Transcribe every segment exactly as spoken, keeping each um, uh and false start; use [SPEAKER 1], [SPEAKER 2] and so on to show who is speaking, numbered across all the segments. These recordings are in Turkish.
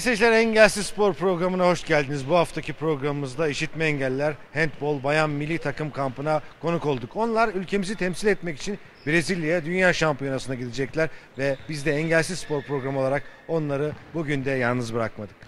[SPEAKER 1] seyirciler, Engelsiz Spor programına hoş geldiniz. Bu haftaki programımızda işitme engelliler handbol bayan milli takım kampına konuk olduk. Onlar ülkemizi temsil etmek için Brezilya'ya dünya şampiyonasına gidecekler ve biz de Engelsiz Spor programı olarak onları bugün de yalnız bırakmadık.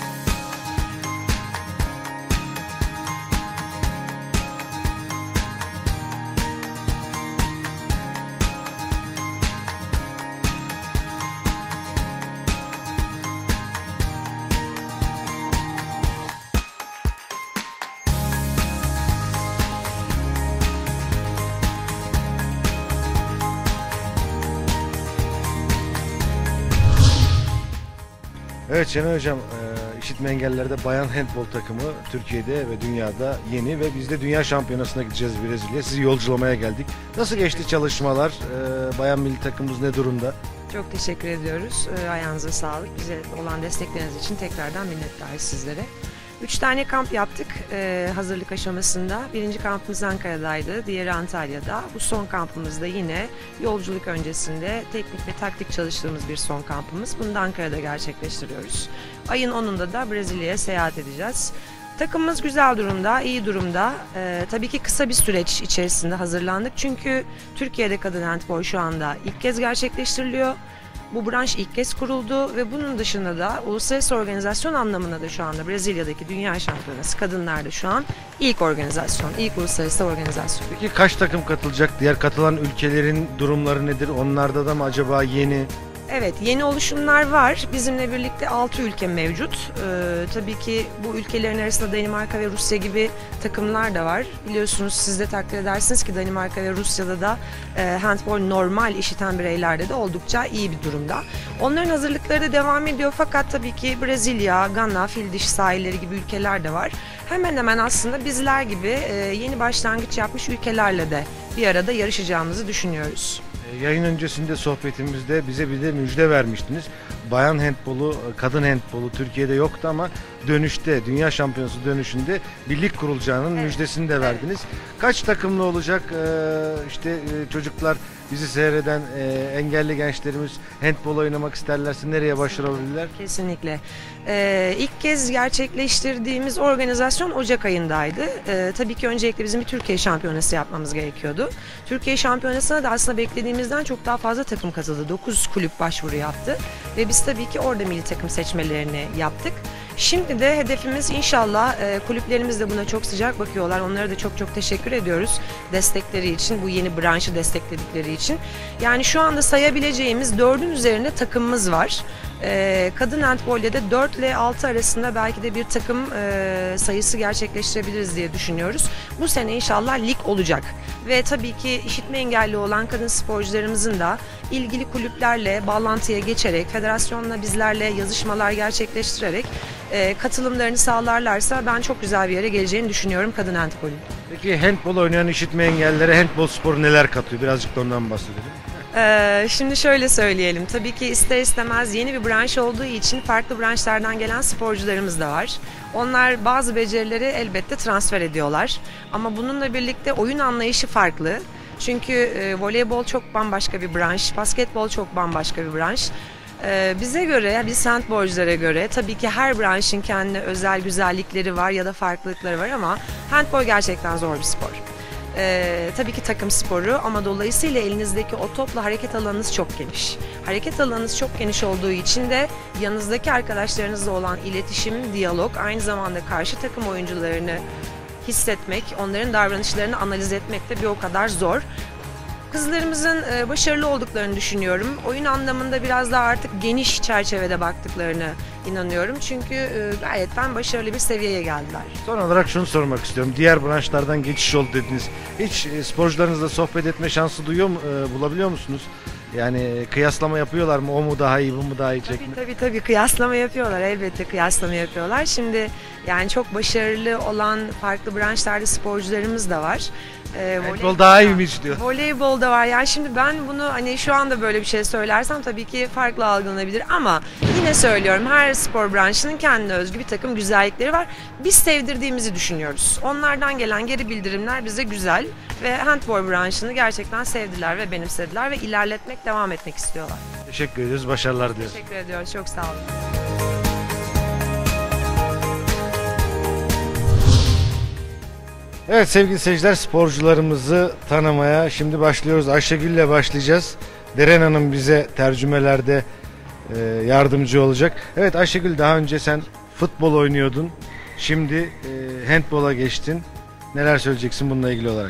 [SPEAKER 1] Evet Şenay Hocam, işitme engellilerde bayan handbol takımı Türkiye'de ve dünyada yeni ve biz de dünya şampiyonasına gideceğiz Brezilya. Sizi yolculamaya geldik. Nasıl geçti çalışmalar? Bayan milli takımımız ne durumda?
[SPEAKER 2] Çok teşekkür ediyoruz. Ayağınıza sağlık. Bize olan destekleriniz için tekrardan minnettarız sizlere. Üç tane kamp yaptık e, hazırlık aşamasında. Birinci kampımız Ankara'daydı, diğeri Antalya'da. Bu son kampımız da yine yolculuk öncesinde teknik ve taktik çalıştığımız bir son kampımız. Bunu da Ankara'da gerçekleştiriyoruz. Ayın onunda da Brezilya'ya seyahat edeceğiz. Takımımız güzel durumda, iyi durumda. Ee, tabii ki kısa bir süreç içerisinde hazırlandık. Çünkü Türkiye'de kadın handbol şu anda ilk kez gerçekleştiriliyor. Bu branş ilk kez kuruldu ve bunun dışında da uluslararası organizasyon anlamında da şu anda Brezilya'daki Dünya Şampiyonası kadınlarda şu an ilk organizasyon, ilk uluslararası organizasyon.
[SPEAKER 1] Peki kaç takım katılacak? Diğer katılan ülkelerin durumları nedir? Onlarda da mı acaba yeni?
[SPEAKER 2] Evet, yeni oluşumlar var. Bizimle birlikte altı ülke mevcut. Ee, tabii ki bu ülkelerin arasında Danimarka ve Rusya gibi takımlar da var. Biliyorsunuz, siz de takdir edersiniz ki Danimarka ve Rusya'da da e, handbol normal işiten bireylerde de oldukça iyi bir durumda. Onların hazırlıkları da devam ediyor fakat tabii ki Brezilya, Gana, Fildiş sahilleri gibi ülkeler de var. Hemen hemen aslında bizler gibi e, yeni başlangıç yapmış ülkelerle de bir arada yarışacağımızı düşünüyoruz.
[SPEAKER 1] Yayın öncesinde sohbetimizde bize bir de müjde vermiştiniz. Bayan handbolu, kadın handbolu Türkiye'de yoktu ama dönüşte, dünya şampiyonası dönüşünde birlik kurulacağının evet. müjdesini de verdiniz. Evet. Kaç takımlı olacak? Ee, işte çocuklar, bizi seyreden e, engelli gençlerimiz handbol oynamak isterlerse nereye başvurabilirler?
[SPEAKER 2] Kesinlikle. Ee, ilk kez gerçekleştirdiğimiz organizasyon Ocak ayındaydı. Ee, tabii ki öncelikle bizim bir Türkiye şampiyonası yapmamız gerekiyordu. Türkiye şampiyonasına da aslında beklediğimizden çok daha fazla takım katıldı. dokuz kulüp başvuru yaptı ve biz tabii ki orada milli takım seçmelerini yaptık. Şimdi de hedefimiz inşallah, e, kulüplerimiz de buna çok sıcak bakıyorlar. Onlara da çok çok teşekkür ediyoruz destekleri için, bu yeni branşı destekledikleri için. Yani şu anda sayabileceğimiz dördün üzerinde takımımız var. E, kadın handbolde de dört ile altı arasında belki de bir takım e, sayısı gerçekleştirebiliriz diye düşünüyoruz. Bu sene inşallah lig olacak. Ve tabii ki işitme engelli olan kadın sporcularımızın da ilgili kulüplerle bağlantıya geçerek, federasyonla bizlerle yazışmalar gerçekleştirerek e, katılımlarını sağlarlarsa ben çok güzel bir yere geleceğini düşünüyorum kadın handbolü.
[SPEAKER 1] Peki handbol oynayan işitme engellilere handbol sporu neler katıyor? Birazcık da ondan bahsedelim.
[SPEAKER 2] Ee, şimdi şöyle söyleyelim. Tabii ki ister istemez yeni bir branş olduğu için farklı branşlardan gelen sporcularımız da var. Onlar bazı becerileri elbette transfer ediyorlar. Ama bununla birlikte oyun anlayışı farklı. Çünkü e, voleybol çok bambaşka bir branş, basketbol çok bambaşka bir branş. Ee, bize göre, biz handbolculara göre tabii ki her branşın kendine özel güzellikleri var ya da farklılıkları var ama handbol gerçekten zor bir spor. Ee, tabii ki takım sporu ama dolayısıyla elinizdeki o topla hareket alanınız çok geniş. Hareket alanınız çok geniş olduğu için de yanınızdaki arkadaşlarınızla olan iletişim, diyalog, aynı zamanda karşı takım oyuncularını hissetmek, onların davranışlarını analiz etmek de bir o kadar zor. Kızlarımızın başarılı olduklarını düşünüyorum. Oyun anlamında biraz daha artık geniş çerçevede baktıklarını inanıyorum. Çünkü gayetten başarılı bir seviyeye geldiler.
[SPEAKER 1] Son olarak şunu sormak istiyorum. Diğer branşlardan geçiş oldu dediniz. Hiç sporcularınızla sohbet etme şansı duyuyor mu, bulabiliyor musunuz? Yani kıyaslama yapıyorlar mı? O mu daha iyi, bu mu daha iyi çekme?
[SPEAKER 2] Tabii tabii tabii kıyaslama yapıyorlar. Elbette kıyaslama yapıyorlar. Şimdi yani çok başarılı olan farklı branşlarda sporcularımız da var.
[SPEAKER 1] Ee, Voleybol daha iyiymiş diyor.
[SPEAKER 2] Voleybol da var. Yani şimdi ben bunu hani şu anda böyle bir şey söylersem tabii ki farklı algılanabilir ama yine söylüyorum, her spor branşının kendine özgü bir takım güzellikleri var. Biz sevdirdiğimizi düşünüyoruz. Onlardan gelen geri bildirimler bize güzel ve handbol branşını gerçekten sevdiler ve benimsediler ve ilerletmek, devam etmek istiyorlar.
[SPEAKER 1] Teşekkür ediyoruz. Başarılar diliyoruz.
[SPEAKER 2] Teşekkür ediyoruz. Çok sağ olun.
[SPEAKER 1] Evet sevgili seyirciler, sporcularımızı tanımaya şimdi başlıyoruz. Ayşegül ile başlayacağız. Deren Hanım bize tercümelerde e, yardımcı olacak. Evet Ayşegül, daha önce sen futbol oynuyordun. Şimdi e, handbola geçtin. Neler söyleyeceksin bununla ilgili olarak?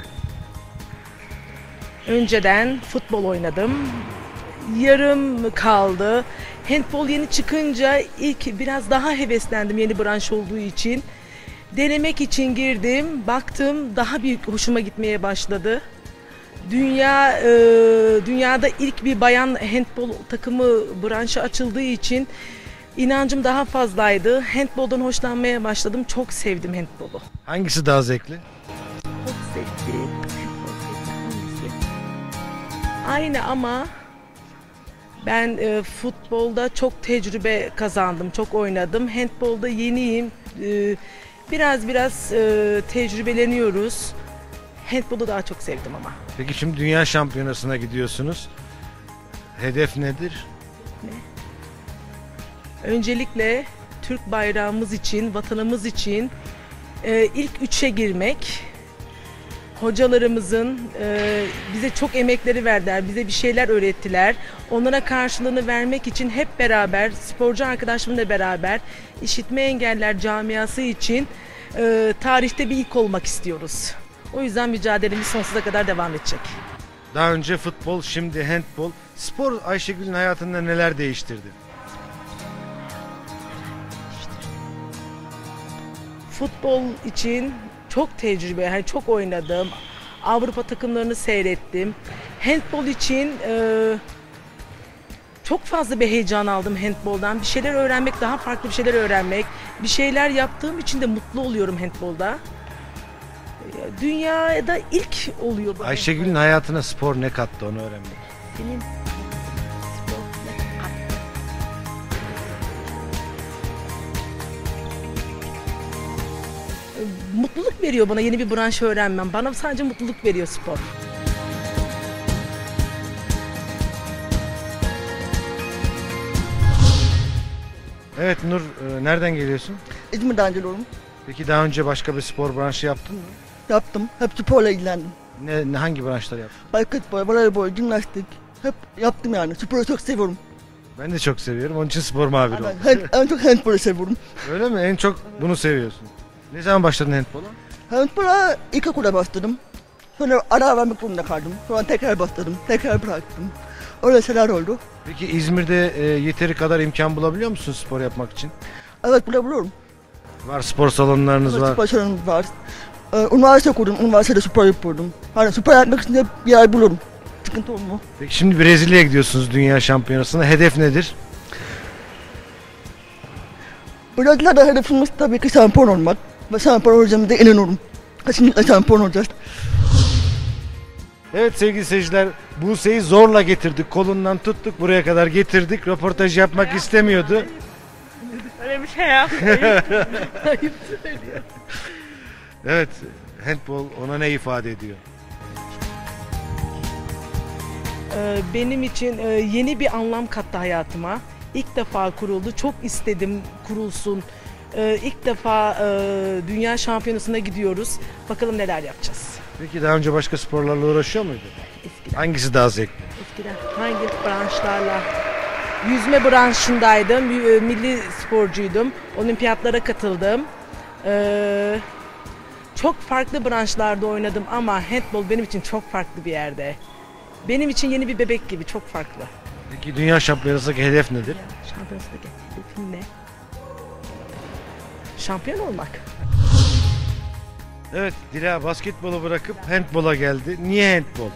[SPEAKER 3] Önceden futbol oynadım. Yarım kaldı. Handbol yeni çıkınca ilk biraz daha heveslendim yeni branş olduğu için. Denemek için girdim. Baktım daha büyük hoşuma gitmeye başladı. Dünya e, dünyada ilk bir bayan handbol takımı branşı açıldığı için inancım daha fazlaydı. Handboldan hoşlanmaya başladım. Çok sevdim handbolu.
[SPEAKER 1] Hangisi daha zevkli?
[SPEAKER 3] Çok sevdim. Aynı ama ben e, futbolda çok tecrübe kazandım, çok oynadım. Handbolda yeniyim. E, biraz biraz e, tecrübeleniyoruz. Handbolu daha çok sevdim ama.
[SPEAKER 1] Peki şimdi dünya şampiyonasına gidiyorsunuz. Hedef nedir?
[SPEAKER 3] Öncelikle Türk bayrağımız için, vatanımız için e, ilk üçe girmek. Hocalarımızın e, bize çok emekleri verdiler, bize bir şeyler öğrettiler. Onlara karşılığını vermek için hep beraber, sporcu arkadaşlarımla beraber işitme engeller camiası için e, tarihte bir ilk olmak istiyoruz. O yüzden mücadelemiz sonsuza kadar devam edecek.
[SPEAKER 1] Daha önce futbol, şimdi handbol. Spor Ayşegül'ün hayatında neler değiştirdi?
[SPEAKER 3] Futbol için çok tecrübe, yani çok oynadım. Avrupa takımlarını seyrettim. Handbol için e, çok fazla bir heyecan aldım handboldan. Bir şeyler öğrenmek, daha farklı bir şeyler öğrenmek. Bir şeyler yaptığım için de mutlu oluyorum handbolda. E, Dünyada ilk oluyor bu.
[SPEAKER 1] Ayşegül'ün hayatına spor ne kattı, onu öğrenmek.
[SPEAKER 3] Senin spor ne kattı? Mutluluk veriyor bana yeni bir branş öğrenmem. Bana sadece mutluluk veriyor spor.
[SPEAKER 1] Evet Nur, e, nereden geliyorsun?
[SPEAKER 4] İzmir'den geliyorum.
[SPEAKER 1] Peki daha önce başka bir spor branşı yaptın mı?
[SPEAKER 4] Yaptım. Hep sporla ilgilendim.
[SPEAKER 1] Ne, ne hangi branşlar yaptın?
[SPEAKER 4] Basketbol, voleybol, jimnastik. Hep yaptım yani. Sporu çok seviyorum.
[SPEAKER 1] Ben de çok seviyorum. Onun için spor muhabiri oldum.
[SPEAKER 4] Ben hand- en çok handbolu seviyorum.
[SPEAKER 1] Öyle mi? En çok bunu seviyorsun. Ne zaman başladın handbola?
[SPEAKER 4] Handbola ilkokula başladım. Sonra ara vermek zorunda kaldım. Sonra tekrar başladım. Tekrar bıraktım. Öyle şeyler oldu.
[SPEAKER 1] Peki İzmir'de e, yeteri kadar imkan bulabiliyor musun spor yapmak için?
[SPEAKER 4] Evet, bulabiliyorum.
[SPEAKER 1] Var, spor salonlarınız
[SPEAKER 4] Evet,
[SPEAKER 1] var.
[SPEAKER 4] spor salonum var. Ee, üniversite okudum. Üniversitede spor yapıyordum. Hani spor yapmak için de bir yer bulurum. Sıkıntı olmuyor.
[SPEAKER 1] Peki şimdi Brezilya'ya gidiyorsunuz dünya şampiyonasına. Hedef nedir?
[SPEAKER 4] Brezilya'da hedefimiz tabii ki şampiyon olmak. Ve şampiyon olacağımıza inanıyorum. Kesinlikle şampiyon olacağız.
[SPEAKER 1] Evet sevgili seyirciler, Buse'yi zorla getirdik. Kolundan tuttuk, buraya kadar getirdik. Röportaj yapmak istemiyordu.
[SPEAKER 3] Öyle bir şey yapmayın. Ayıp söylüyor.
[SPEAKER 1] Evet, handbol ona ne ifade ediyor?
[SPEAKER 3] Ee, Benim için e, yeni bir anlam kattı hayatıma. İlk defa kuruldu. Çok istedim kurulsun. Ee, İlk defa e, dünya şampiyonasına gidiyoruz. Bakalım neler yapacağız.
[SPEAKER 1] Peki daha önce başka sporlarla uğraşıyor muydun?
[SPEAKER 3] Eskiden,
[SPEAKER 1] Hangisi daha zevkli?
[SPEAKER 3] eskiden hangi branşlarla? Yüzme branşındaydım. y- Milli sporcuydum. Olimpiyatlara katıldım. Ee, Çok farklı branşlarda oynadım ama handbol benim için çok farklı bir yerde. Benim için yeni bir bebek gibi, çok farklı.
[SPEAKER 1] Peki dünya şampiyonasındaki hedef nedir?
[SPEAKER 3] Şampiyonasındaki hedefim ne? Şampiyon olmak.
[SPEAKER 1] Evet, Dila basketbolu bırakıp handbola geldi. Niye handbol?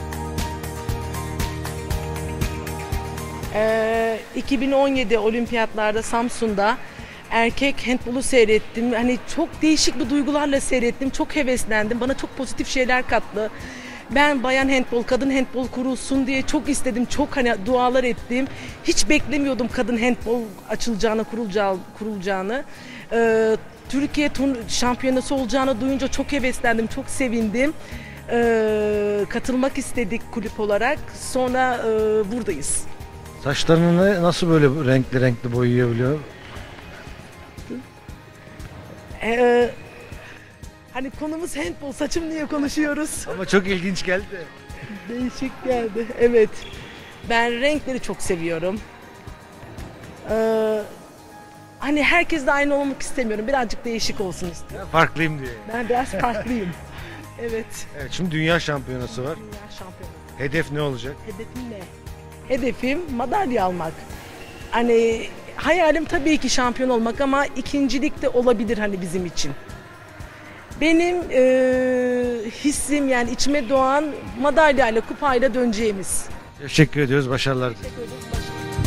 [SPEAKER 3] Ee, iki bin on yedi olimpiyatlarda Samsun'da erkek handbolu seyrettim. Hani çok değişik bir duygularla seyrettim. Çok heveslendim. Bana çok pozitif şeyler kattı. Ben bayan handbol, kadın handbol kurulsun diye çok istedim. Çok hani dualar ettim. Hiç beklemiyordum kadın handbol açılacağını, kurulacağı, kurulacağını. Ee, Türkiye şampiyonası olacağını duyunca çok heveslendim, çok sevindim. Ee, katılmak istedik kulüp olarak. Sonra e, buradayız.
[SPEAKER 1] Saçlarını nasıl böyle renkli renkli boyayabiliyor?
[SPEAKER 3] Ee, Hani konumuz handball, saçım niye konuşuyoruz?
[SPEAKER 1] Ama çok ilginç geldi.
[SPEAKER 3] Değişik geldi. Evet. Ben renkleri çok seviyorum. Ee, hani herkes de aynı olmak istemiyorum. Birazcık değişik olsun istiyorum.
[SPEAKER 1] Ya, farklıyım diye.
[SPEAKER 3] Ben biraz farklıyım. Evet.
[SPEAKER 1] Evet, şimdi dünya şampiyonası var.
[SPEAKER 3] Dünya şampiyonu.
[SPEAKER 1] Hedef ne olacak?
[SPEAKER 3] Hedefim ne? Hedefim madalya almak. Hani hayalim tabii ki şampiyon olmak ama ikincilik de olabilir hani bizim için. Benim e, hissim yani içime doğan madalyayla, kupayla döneceğimiz.
[SPEAKER 1] Teşekkür ediyoruz. Başarılar.
[SPEAKER 3] Teşekkür ederiz.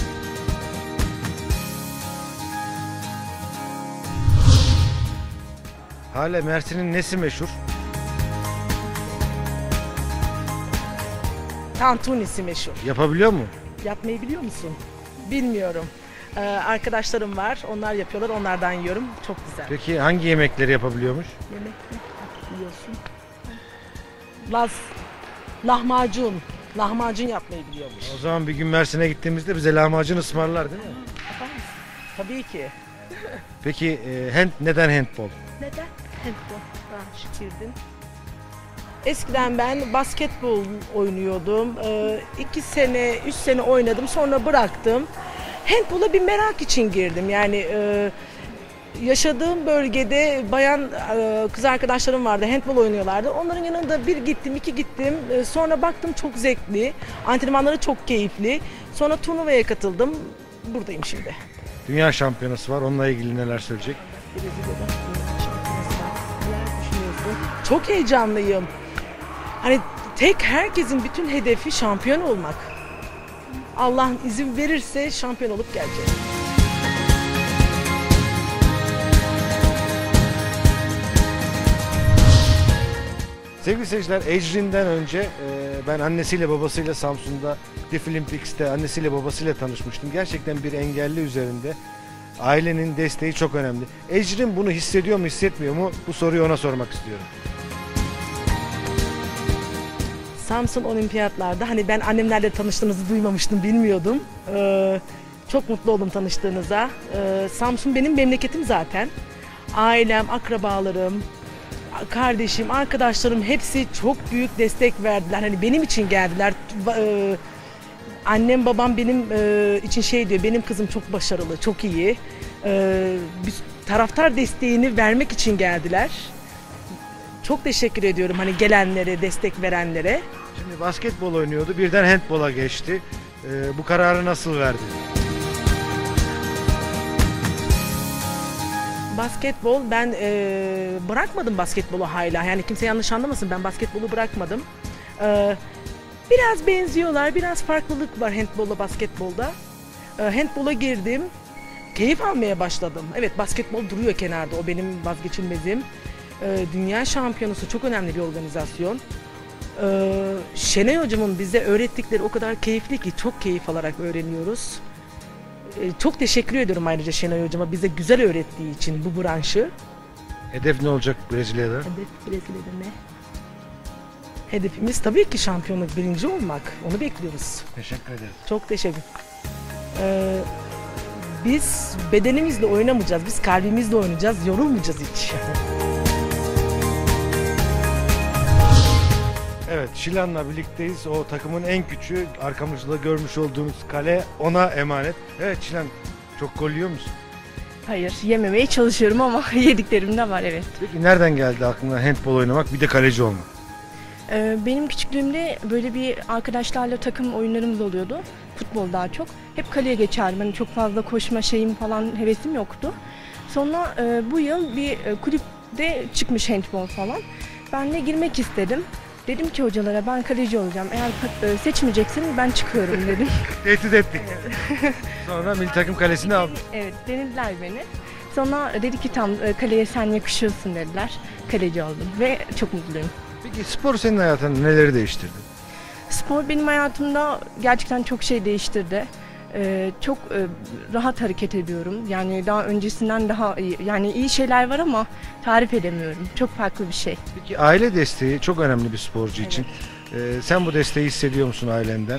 [SPEAKER 1] Hale, Mersin'in nesi meşhur?
[SPEAKER 3] Tantunisi meşhur.
[SPEAKER 1] Yapabiliyor mu?
[SPEAKER 3] Yapmayı biliyor musun? Bilmiyorum. Ee, arkadaşlarım var. Onlar yapıyorlar. Onlardan yiyorum. Çok güzel.
[SPEAKER 1] Peki hangi yemekleri yapabiliyormuş?
[SPEAKER 3] Yemek mi? Biliyorsun. Laz. Lahmacun. Lahmacun yapmayı biliyormuş.
[SPEAKER 1] O zaman bir gün Mersin'e gittiğimizde bize lahmacun ısmarlar değil mi?
[SPEAKER 3] Yapar mısın? Tabii ki.
[SPEAKER 1] Peki e, hand, neden handbol?
[SPEAKER 3] Neden? Handball. Ben şişirdim. Eskiden ben basketbol oynuyordum. Ee, iki sene, üç sene oynadım. Sonra bıraktım. Handball'a bir merak için girdim. Yani e, yaşadığım bölgede bayan e, kız arkadaşlarım vardı. Handball oynuyorlardı. Onların yanında bir gittim, iki gittim. E, sonra baktım çok zevkli. Antrenmanları çok keyifli. Sonra turnuvaya katıldım. Buradayım şimdi.
[SPEAKER 1] Dünya şampiyonası var. Onunla ilgili neler söyleyecek?
[SPEAKER 3] Brezilya'da dünya şampiyonası var. Neler düşünüyorsun? Çok heyecanlıyım. Hani tek herkesin bütün hedefi şampiyon olmak. Allah izin verirse şampiyon olup gelecek.
[SPEAKER 1] Sevgili seyirciler, Ecrin'den önce e, ben annesiyle babasıyla Samsun'da Deaflympics'te annesiyle babasıyla tanışmıştım. Gerçekten bir engelli üzerinde ailenin desteği çok önemli. Ecrin bunu hissediyor mu, hissetmiyor mu? Bu soruyu ona sormak istiyorum.
[SPEAKER 3] Samsun Olimpiyatlarda hani ben annemlerle tanıştığınızı duymamıştım, bilmiyordum. Ee, çok mutlu oldum tanıştığınıza. Ee, Samsun benim memleketim zaten. Ailem, akrabalarım, kardeşim, arkadaşlarım hepsi çok büyük destek verdiler. Hani benim için geldiler. Ee, annem babam benim e, için şey diyor, benim kızım çok başarılı, çok iyi. Ee, bir taraftar desteğini vermek için geldiler. Çok teşekkür ediyorum hani gelenlere, destek verenlere.
[SPEAKER 1] Şimdi basketbol oynuyordu, birden handbola geçti. E, bu kararı nasıl verdi?
[SPEAKER 3] Basketbol, ben e, bırakmadım basketbolu hala. Yani kimse yanlış anlamasın, ben basketbolu bırakmadım. E, biraz benziyorlar, biraz farklılık var handbolla basketbolda. E, handbola girdim, keyif almaya başladım. Evet, basketbol duruyor kenarda, o benim vazgeçilmezim. E, dünya şampiyonası çok önemli bir organizasyon. E, Şenay hocamın bize öğrettikleri o kadar keyifli ki, çok keyif alarak öğreniyoruz. Çok teşekkür ediyorum ayrıca Şenay hocama bize güzel öğrettiği için bu branşı.
[SPEAKER 1] Hedef ne olacak Brezilya'da?
[SPEAKER 3] Hedef Brezilya'da ne? Hedefimiz tabii ki şampiyonluk, birinci olmak. Onu bekliyoruz.
[SPEAKER 1] Teşekkür ederiz.
[SPEAKER 3] Çok teşekkür. Ee, biz bedenimizle oynamayacağız, biz kalbimizle oynayacağız, yorulmayacağız hiç.
[SPEAKER 1] Evet, Şilan'la birlikteyiz. O takımın en küçüğü, arkamızda görmüş olduğunuz kale ona emanet. Evet Şilan, çok gol yiyor musun?
[SPEAKER 5] Hayır, yememeye çalışıyorum ama yediklerim de var, evet.
[SPEAKER 1] Peki nereden geldi aklına handbol oynamak, bir de kaleci olmak?
[SPEAKER 5] Ee, benim küçüklüğümde böyle bir arkadaşlarla takım oyunlarımız oluyordu. Futbol daha çok. Hep kaleye geçerdim. Hani çok fazla koşma şeyim falan, hevesim yoktu. Sonra e, bu yıl bir e, kulüpte çıkmış handbol falan. Ben de girmek istedim. Dedim ki hocalara, ben kaleci olacağım. Eğer e, seçmeyeceksin ben çıkıyorum dedim.
[SPEAKER 1] Tehdit ettik. Sonra milli takım kalesini aldık.
[SPEAKER 5] Evet, denediler beni. Sonra dedi ki tam e, kaleye sen yakışıyorsun dediler. Kaleci oldum ve çok mutluyum.
[SPEAKER 1] Peki spor senin hayatında neleri değiştirdi?
[SPEAKER 5] Spor benim hayatımda gerçekten çok şey değiştirdi. Ee, çok e, rahat hareket ediyorum. Yani daha öncesinden daha iyi. Yani iyi şeyler var ama tarif edemiyorum. Çok farklı bir şey.
[SPEAKER 1] Peki aile desteği çok önemli bir sporcu için. Ee, sen bu desteği hissediyor musun ailenden?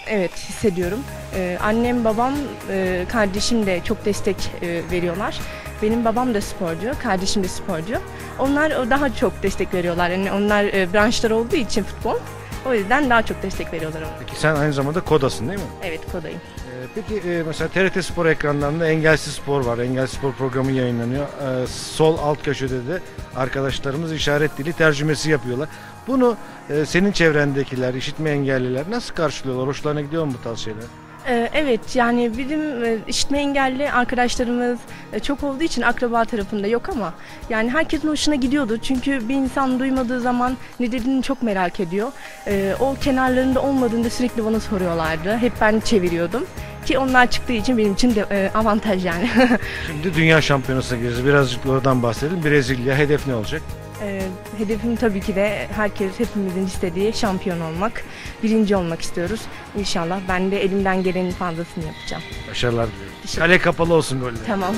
[SPEAKER 5] Evet, hissediyorum. Ee, annem, babam, e, kardeşim de çok destek e, veriyorlar. Benim babam da sporcu, kardeşim de sporcu. Onlar daha çok destek veriyorlar. Yani onlar e, branşlar olduğu için futbol. O yüzden daha çok destek veriyorlar ona.
[SPEAKER 1] Peki sen aynı zamanda kodasın değil mi?
[SPEAKER 5] Evet, kodayım.
[SPEAKER 1] Ee, Peki e, mesela T R T Spor ekranlarında Engelsiz Spor var. Engelsiz Spor programı yayınlanıyor. Ee, Sol alt köşede de arkadaşlarımız işaret dili tercümesi yapıyorlar. Bunu e, senin çevrendekiler, işitme engelliler nasıl karşılıyorlar? Hoşlarına gidiyor mu bu tarz şeyler?
[SPEAKER 5] Ee, Evet, yani bizim e, işitme engelli arkadaşlarımız e, çok olduğu için akraba tarafında yok ama yani herkesin hoşuna gidiyordu. Çünkü bir insan duymadığı zaman ne dediğini çok merak ediyor. Ee, O kenarlarında olmadığında sürekli bana soruyorlardı. Hep ben çeviriyordum. Ki onlar çıktığı için benim için de e, avantaj yani.
[SPEAKER 1] Şimdi Dünya Şampiyonası'na gireceğiz. Birazcık oradan bahsedelim. Brezilya. Hedef ne olacak?
[SPEAKER 5] Ee, Hedefim tabii ki de herkes, hepimizin istediği şampiyon olmak. Birinci olmak istiyoruz. İnşallah ben de elimden gelenin fazlasını yapacağım.
[SPEAKER 1] Başarılar diliyorum.
[SPEAKER 5] Teşekkür-
[SPEAKER 1] Kale kapalı olsun goller.
[SPEAKER 5] Tamam.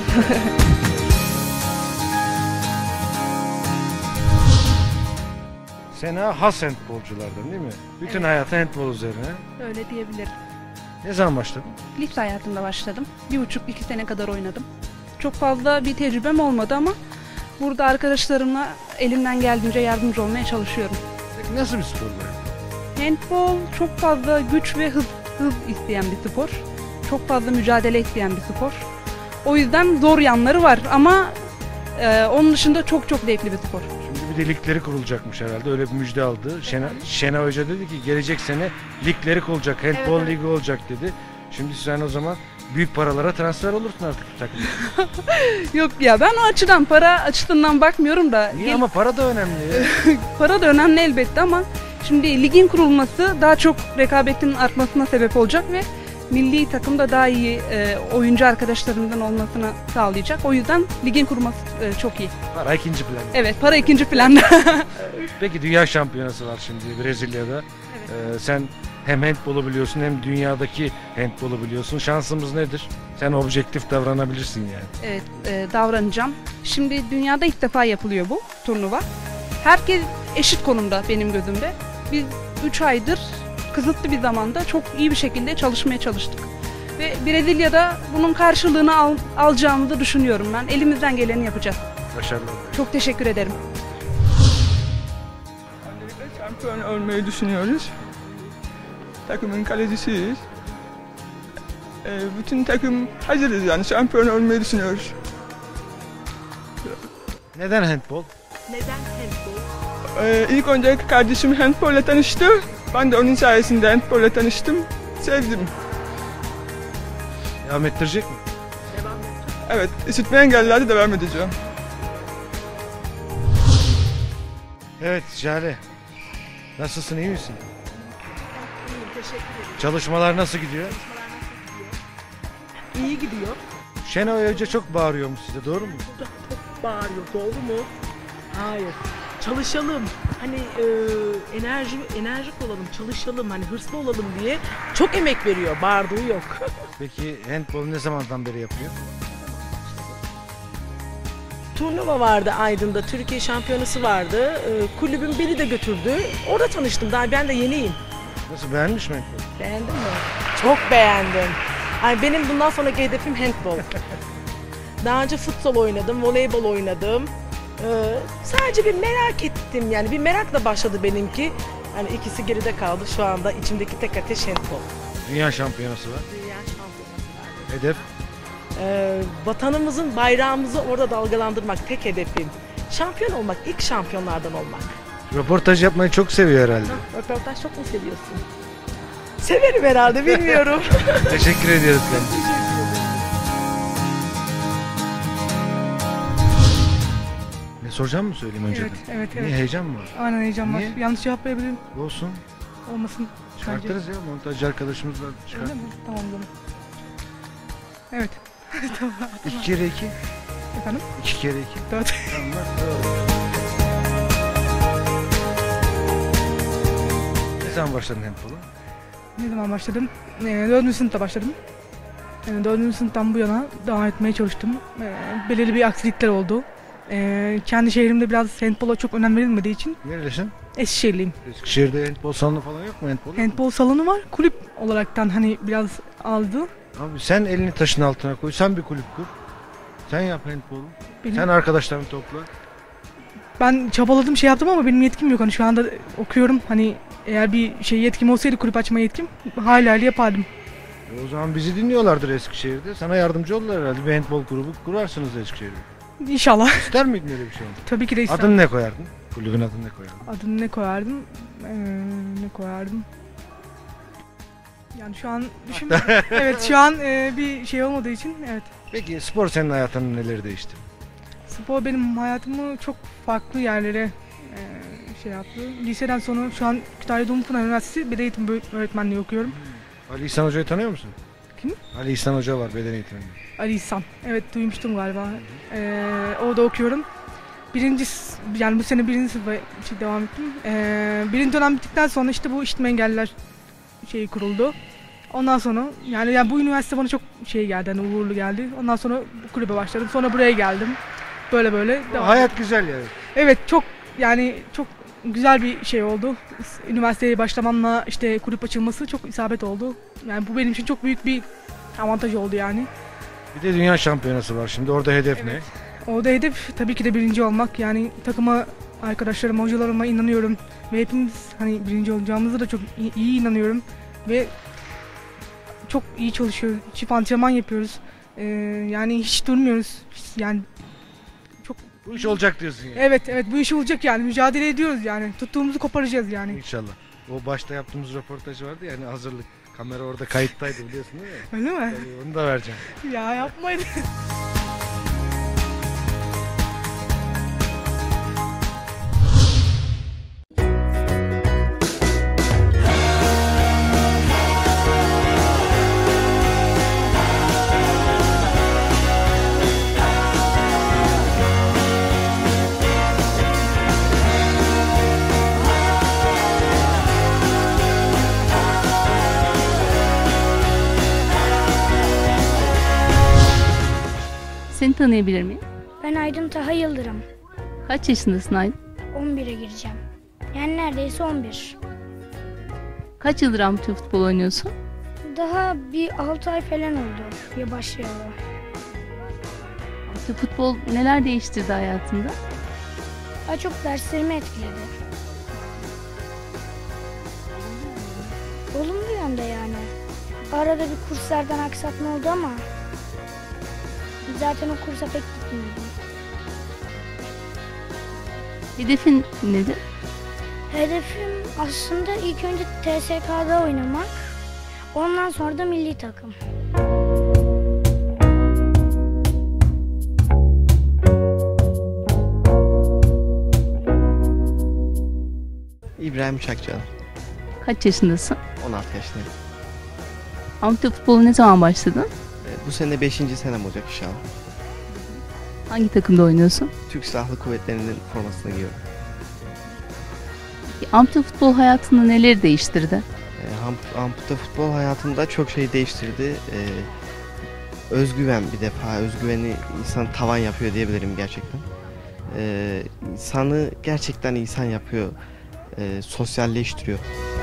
[SPEAKER 1] Sena has handbolculardan değil mi? Bütün hayatı handbol üzerine.
[SPEAKER 6] Öyle diyebilirim.
[SPEAKER 1] Ne zaman başladın?
[SPEAKER 6] Lise hayatımda başladım. Bir buçuk iki sene kadar oynadım. Çok fazla bir tecrübem olmadı ama burada arkadaşlarımla elimden geldiğince yardımcı olmaya çalışıyorum.
[SPEAKER 1] Peki nasıl bir spor bu?
[SPEAKER 6] Handball çok fazla güç ve hız, hız isteyen bir spor. Çok fazla mücadele isteyen bir spor. O yüzden zor yanları var ama e, onun dışında çok çok zevkli bir spor.
[SPEAKER 1] Şimdi bir de ligleri kurulacakmış herhalde. Öyle bir müjde aldı. Şena, Şena Hoca dedi ki gelecek sene ligleri kurulacak. Handball
[SPEAKER 6] Evet, evet.
[SPEAKER 1] ligi olacak dedi. Şimdi sen o zaman büyük paralara transfer olursun artık bu takımda.
[SPEAKER 6] Yok ya, ben o açıdan, para açısından bakmıyorum da.
[SPEAKER 1] Niye
[SPEAKER 6] gel-
[SPEAKER 1] ama para da önemli ya.
[SPEAKER 6] Para da önemli elbette ama şimdi ligin kurulması daha çok rekabetin artmasına sebep olacak ve milli takımda daha iyi e, oyuncu arkadaşlarımdan olmasını sağlayacak. O yüzden ligin kurulması e, çok iyi.
[SPEAKER 1] Para ikinci plan.
[SPEAKER 6] Evet, para ikinci planda.
[SPEAKER 1] Peki dünya şampiyonası var şimdi Brezilya'da. Ee, sen hem handbolu biliyorsun hem dünyadaki handbolu biliyorsun. Şansımız nedir? Sen objektif davranabilirsin yani.
[SPEAKER 6] Evet, e, davranacağım. Şimdi dünyada ilk defa yapılıyor bu turnuva. Herkes eşit konumda benim gözümde. Biz üç aydır kısıtlı bir zamanda çok iyi bir şekilde çalışmaya çalıştık. Ve Brezilya'da bunun karşılığını al, alacağımızı düşünüyorum ben. Elimizden geleni yapacağız.
[SPEAKER 1] Başarılar.
[SPEAKER 6] Çok teşekkür ederim.
[SPEAKER 7] Öncelikle şampiyon olmayı düşünüyoruz. Takımın kalecisiyiz. Ee, bütün takım hazırız yani şampiyon olmayı düşünüyoruz.
[SPEAKER 1] Neden handbol?
[SPEAKER 3] Neden handball?
[SPEAKER 7] Ee, ilk önce kardeşim handbolla tanıştı. Ben de onun sayesinde handbolla tanıştım. Sevdim.
[SPEAKER 1] Devam ettirecek mi?
[SPEAKER 7] Evet, işitme engellilerde devam edeceğim.
[SPEAKER 1] Evet Jale. Nasılsın, iyi misin?
[SPEAKER 3] İyiyim, teşekkür ederim.
[SPEAKER 1] Çalışmalar nasıl gidiyor?
[SPEAKER 3] İyi gidiyor.
[SPEAKER 1] Şenay Hoca çok bağırıyormuş size, doğru mu?
[SPEAKER 3] Çok bağırıyor, doğru mu? Hayır. Çalışalım. Hani e, enerji enerjik olalım, çalışalım, hani hırslı olalım diye çok emek veriyor. Bağırdığı yok.
[SPEAKER 1] Peki handbolu ne zamandan beri yapıyor?
[SPEAKER 3] Turnuva vardı Aydın'da, Türkiye şampiyonası vardı. E, kulübün biri de götürdü. Orada tanıştım. Daha ben de yeniyim.
[SPEAKER 1] Nasıl, beğenmiş mi handbolu?
[SPEAKER 3] Beğendin mi? Çok beğendim. Ay, benim bundan sonraki hedefim handball. Daha önce futsal oynadım, voleybol oynadım. Ee, sadece bir merak ettim, yani bir merakla başladı benimki. Hani ikisi geride kaldı, şu anda içimdeki tek ateş handball.
[SPEAKER 1] Dünya şampiyonası var.
[SPEAKER 3] Dünya şampiyonası var.
[SPEAKER 1] Hedef?
[SPEAKER 3] Ee, vatanımızın bayrağımızı orada dalgalandırmak tek hedefim. Şampiyon olmak, ilk şampiyonlardan olmak.
[SPEAKER 1] Röportaj yapmayı çok seviyor herhalde.
[SPEAKER 3] Röportaj çok mu seviyorsun? Severim herhalde, bilmiyorum.
[SPEAKER 1] Teşekkür ediyoruz kendisine. Ne soracağım mı söyleyeyim önceden?
[SPEAKER 8] Evet, evet,
[SPEAKER 1] Niye,
[SPEAKER 8] evet.
[SPEAKER 1] heyecan mı var?
[SPEAKER 8] Aynen heyecan var.
[SPEAKER 1] Niye?
[SPEAKER 8] Yanlış cevap verebilirim.
[SPEAKER 1] Olsun.
[SPEAKER 8] Olmasın.
[SPEAKER 1] Çıkartırız ya, montajcı arkadaşımız var.
[SPEAKER 8] Öyle
[SPEAKER 1] Çıkart.
[SPEAKER 8] mi? Tamam canım. Evet. Tamam.
[SPEAKER 1] İki kere iki.
[SPEAKER 8] Efendim?
[SPEAKER 1] İki kere iki.
[SPEAKER 8] Dört.
[SPEAKER 1] Tamam, bak, doğru. Ne zaman başladın handbola?
[SPEAKER 8] Ne zaman başladım? Ee, dördüncü sınıfta başladım. Yani dördüncü sınıftan bu yana devam etmeye çalıştım. Ee, belirli bir aksilikler oldu. Ee, kendi şehrimde biraz handbola çok önem verilmediği için
[SPEAKER 1] Nerelisin?
[SPEAKER 8] Eskişehirliyim.
[SPEAKER 1] Eskişehir'de handbol salonu falan yok mu? Handbol, yok mu?
[SPEAKER 8] Handbol salonu var. Kulüp olaraktan hani biraz azdı.
[SPEAKER 1] Abi sen elini taşın altına koy. Sen bir kulüp kur. Sen yap handbolu.
[SPEAKER 8] Benim,
[SPEAKER 1] Sen arkadaşlarını topla.
[SPEAKER 8] ben çabaladım şey yaptım ama benim yetkim yok. Hani şu anda okuyorum. Hani eğer bir şey yetkim olsaydı kulüp açma yetkim hala yapardım.
[SPEAKER 1] E o zaman bizi dinliyorlardır Eskişehir'de. Sana yardımcı olurlar herhalde. Bir handbol grubu kurarsınız Eskişehir'de.
[SPEAKER 8] İnşallah.
[SPEAKER 1] İster miydin öyle bir şey?
[SPEAKER 8] Tabii ki de isterim.
[SPEAKER 1] Adını ne koyardın? Kulübün adını ne koyardın?
[SPEAKER 8] Adını ne koyardım? Ee, ne koyardım? Yani şu an düşün. Evet şu an e, bir şey olmadığı için evet.
[SPEAKER 1] Peki spor senin hayatının neleri değişti?
[SPEAKER 8] Spor benim hayatımı çok farklı yerlere e, şey yaptı. Liseden sonra şu an Kütahya Dumlupınar Üniversitesi Beden Eğitimi Böl- Öğretmenliği okuyorum.
[SPEAKER 1] Ali İhsan Hoca'yı tanıyor musun?
[SPEAKER 8] Kim?
[SPEAKER 1] Ali İhsan Hoca var beden eğitmeni.
[SPEAKER 8] Ali İhsan. Evet duymuştum galiba. Ee, orada okuyorum. Birinci, s- yani bu sene birinci sınıfa şey devam ettim. Ee, birinci dönem bittikten sonra işte bu işitme engelliler şeyi kuruldu. Ondan sonra yani, yani bu üniversite bana çok şey geldi, hani uğurlu geldi. Ondan sonra bu kulübe başladım. Sonra buraya geldim. Böyle böyle devam.
[SPEAKER 1] Hayat güzel yani.
[SPEAKER 8] Evet çok yani çok güzel bir şey oldu. Üniversiteye başlamamla işte kulüp açılması çok isabet oldu. Yani bu benim için çok büyük bir avantaj oldu yani.
[SPEAKER 1] Bir de dünya şampiyonası var şimdi. Orada hedef
[SPEAKER 8] Evet. Orada hedef tabii ki de birinci olmak. Yani takıma, arkadaşlarıma, hocalarıma inanıyorum. Ve hepimiz hani birinci olacağımızı da çok iyi, iyi inanıyorum. Ve çok iyi çalışıyoruz. Çift antrenman yapıyoruz. Ee, yani hiç durmuyoruz. Hiç- Yani
[SPEAKER 1] ne? Bu iş olacak diyorsun yani.
[SPEAKER 8] evet evet bu iş olacak yani. Mücadele ediyoruz yani. Tuttuğumuzu koparacağız yani.
[SPEAKER 1] İnşallah. O başta yaptığımız röportaj vardı ya hani hazırlık. Kamera orada kayıttaydı biliyorsun değil mi?
[SPEAKER 8] Öyle mi?
[SPEAKER 1] Tabii, onu da vereceğim.
[SPEAKER 8] Ya yapmayın.
[SPEAKER 9] Seni tanıyabilir miyim?
[SPEAKER 10] Ben Aydın Taha Yıldırım.
[SPEAKER 9] Kaç yaşındasın Aydın?
[SPEAKER 10] on bire gireceğim. Yani neredeyse on bir.
[SPEAKER 9] Kaç yıldır amatör futbol oynuyorsun?
[SPEAKER 10] Daha bir altı ay falan oldu ya başlayalı.
[SPEAKER 9] Amatör futbol neler değiştirdi hayatında?
[SPEAKER 10] Daha çok derslerimi etkiledi. Olumlu yönde yani. Arada bir kurslardan aksatma oldu ama zaten o kursa pek gitmiyordum.
[SPEAKER 9] Hedefin nedir?
[SPEAKER 10] Hedefim aslında ilk önce T S K'da oynamak. Ondan sonra da milli takım.
[SPEAKER 11] İbrahim Çakçalı.
[SPEAKER 9] Kaç yaşındasın?
[SPEAKER 11] on altı yaşındayım.
[SPEAKER 9] Amatör futbola ne zaman başladın?
[SPEAKER 11] Ee, Bu sene beşinci senem olacak inşallah.
[SPEAKER 9] Hangi takımda oynuyorsun?
[SPEAKER 11] Türk Silahlı Kuvvetleri'nin formasını giyiyorum.
[SPEAKER 9] Peki, amatör futbol hayatında neleri değiştirdi?
[SPEAKER 11] Ee, ham- Ampute futbol hayatımda çok şey değiştirdi. Ee, özgüven bir defa. Özgüveni insan tavan yapıyor diyebilirim gerçekten. Ee, insanı gerçekten insan yapıyor. Ee, sosyalleştiriyor.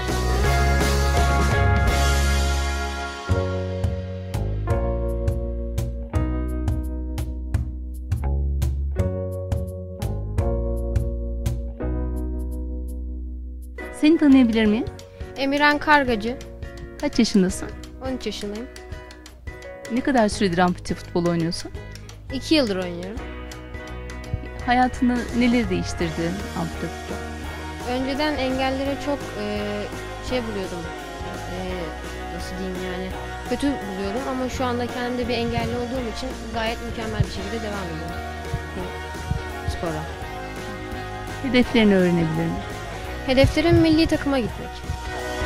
[SPEAKER 9] Seni tanıyabilir miyim?
[SPEAKER 12] Emirhan Kargacı,
[SPEAKER 9] Kaç yaşındasın?
[SPEAKER 12] on üç yaşındayım.
[SPEAKER 9] Ne kadar süredir amatör futbol oynuyorsun?
[SPEAKER 12] iki yıldır oynuyorum.
[SPEAKER 9] Hayatında neleri değiştirdi amatör futbol?
[SPEAKER 12] Önceden engellere çok e, şey buluyordum, e, nasıl diyeyim yani, kötü buluyordum ama şu anda kendimde bir engelli olduğum için gayet mükemmel bir şekilde devam ediyorum bu spora.
[SPEAKER 9] Hedeflerini öğrenebilir miyim?
[SPEAKER 12] Hedeflerim milli takıma gitmek.